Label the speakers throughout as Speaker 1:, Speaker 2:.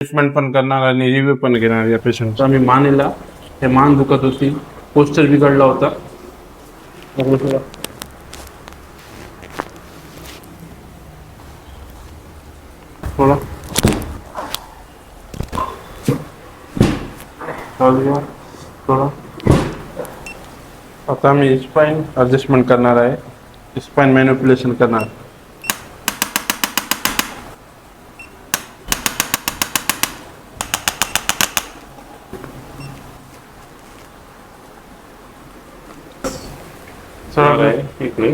Speaker 1: Treatment पण करणार आणि रिव्ह्यू पण घेणार या पेशंटचा. मी मानेला हे मान दुखत होती, पोस्चर बिघडला होता. बघू थोडा. थोडा थोडा. आता मी स्पाइन ॲडजस्टमेंट करणार आहे, स्पाइन मॅनिप्युलेशन करणार. सरळ आहे इकडे.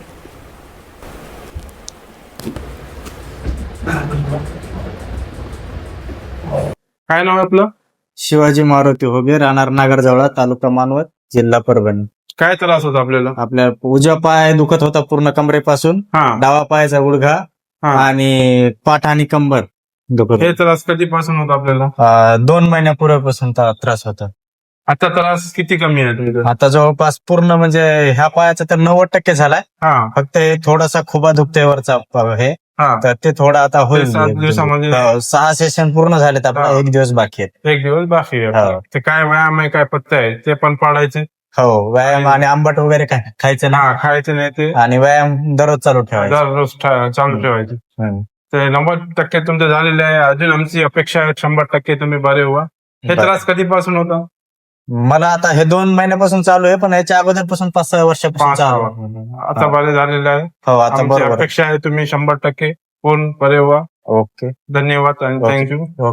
Speaker 1: काय नाव आहे आपलं?
Speaker 2: शिवाजी मारुती होगे, राहणार नागरजवळा, तालुका मानवत, जिल्हा परभणी.
Speaker 1: काय त्रास होता आपल्याला?
Speaker 2: आपल्या उजवा पाय दुखत होता पूर्ण कमरेपासून,
Speaker 1: हा
Speaker 2: डावा पायाचा गुडघा
Speaker 1: हा.
Speaker 2: आणि पाठ आणि कंबर दुखत
Speaker 1: हे त्रास कधीपासून होता आपल्याला?
Speaker 2: 2 महिन्यापूर्वीपासून त्रास होता.
Speaker 1: आता त्रास किती कमी आहे तुमचा?
Speaker 2: आता जवळपास पूर्ण म्हणजे ह्या पायाचा तर 90% झालाय.
Speaker 1: हा
Speaker 2: फक्त हे थोडासा खुबा दुखतोय वरचा हे,
Speaker 1: हा.
Speaker 2: तर ते थोडं आता होईल.
Speaker 1: 7 दिवसामध्ये
Speaker 2: 6 सेशन पूर्ण झालेत, आपला
Speaker 1: हा.
Speaker 2: 1 दिवस बाकी आहेत.
Speaker 1: 1 दिवस बाकी आहे.
Speaker 2: हो.
Speaker 1: ते काय व्यायाम आहे, काय पत्ते आहे ते पण पाळायचे.
Speaker 2: हो, व्यायाम आणि आंबट वगैरे खायचं
Speaker 1: हा
Speaker 2: नाही,
Speaker 1: खायचे नाही ते.
Speaker 2: आणि व्यायाम दररोज चालू ठेवायचा.
Speaker 1: दररोज चालू ठेवायचे.
Speaker 2: हम्म.
Speaker 1: ते 90% तुमचं झालेलं आहे. अजून आमची अपेक्षा आहे 100% तुम्ही बरे व्हा. हे
Speaker 2: बरं.
Speaker 1: त्रास कधीपासून होता?
Speaker 2: मला आता हे 2 महिन्यापासून चालू आहे, पण याच्या अगोदरपासून 5-6 वर्षापासून चालू आहे.
Speaker 1: आता बरे झालेलं आहे.
Speaker 2: हो, आता
Speaker 1: आमची
Speaker 2: बरोबर.
Speaker 1: अपेक्षा आहे तुम्ही 100% पूर्ण बरे व्हा.
Speaker 2: ओके,
Speaker 1: धन्यवाद आणि
Speaker 2: ओके.
Speaker 1: थँक्यू.